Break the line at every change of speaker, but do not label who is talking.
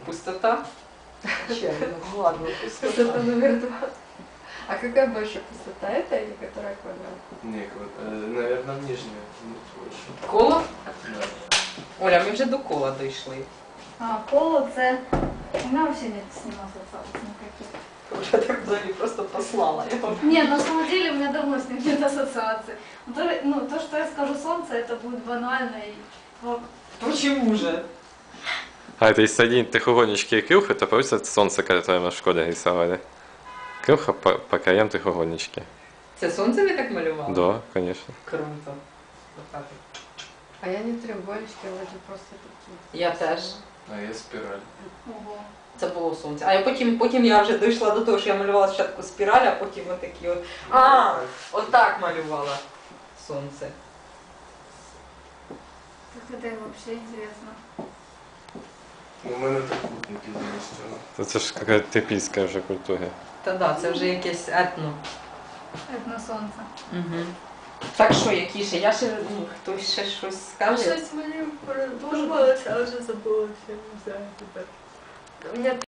Пустота?
Чай, ну ладно,
Пустота
пустота.
номер 2. А какая больше пустота, это или которая квадрат?
Не, наверное, нижняя. Больше.
Коло?
Да.
Оля, ми вже до кола дійшли.
А, коло це... У меня вообще нет с ним ассоциаций никаких.
Уже так взагалі просто послала его.
Не, на самом деле у меня давно с ним нет ассоциаций. То, что я скажу солнце, это будет банально и...
Почему же?
А это если соединить трехугольнички и крюх, это получится солнце, которое мы в школе рисовали. Крюха по краям трехугольнички.
Це сонце ви так малювали?
Да, конечно.
Круто. Отак.
А я не треугольнички, а вроде просто такие.
Я теж.
А я спираль.
Ого.
Це було сонце. А я потім я вже дійшла до того, що я малювала спочатку спіраль, а потім отакі от. А, отак малювала сонце.
Так это вообще интересно.
У мене трикутники замість.
Это же какая-то типийская уже культура.
Та да, це вже якесь етно.
Это на солнце.
Угу. Так що, які ще? Я ще, хтось ще щось скаже?
Щось мені подобалося, а вже забулося, не знаю тепер. У мене